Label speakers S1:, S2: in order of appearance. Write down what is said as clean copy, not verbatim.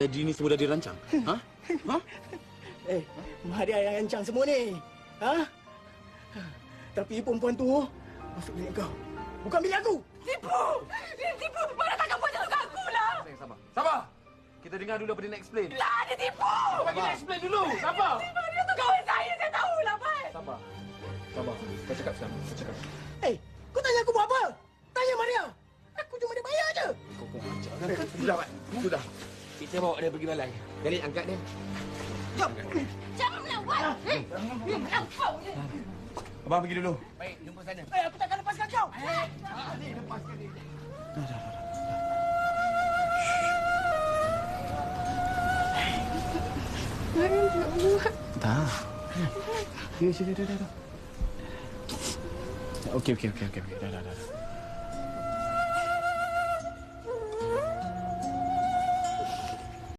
S1: Jadi ni semua dah dirancang? Ha? Ha?
S2: Mahathir yang rancang semua ni. Ha? Tapi perempuan tu masuk bilik kau. Bukan bilik aku.
S3: Tipu! Dia tipu! Mana takkan buat macam aku lah!
S4: Sayang, sabar. Sabar! Kita dengar dulu apa dia nak explain.
S3: Lah, dia tipu!
S4: Bagi dia explain dulu. Sabar.
S3: Dia tu kawan saya tahulah, Pat.
S4: Sabar. Sabar. Kau cakap sekarang. Kau cakap.
S2: Kau tanya aku buat apa? Tanya Maria. Aku cuma dia bayar je.
S4: Kau ajar kan? Sudah, Pak. Sudah. Kita bawa dia pergi balai. Jadi angkat dia.
S2: Jom.
S3: Jangan melawan! Melampau je!
S4: Abang pergi dulu.
S3: Baik, jumpa sana.
S2: Aku takkan lepaskan kau.
S4: Lepaskan dia.
S1: Tak. Ya, dah. Okey. Dah.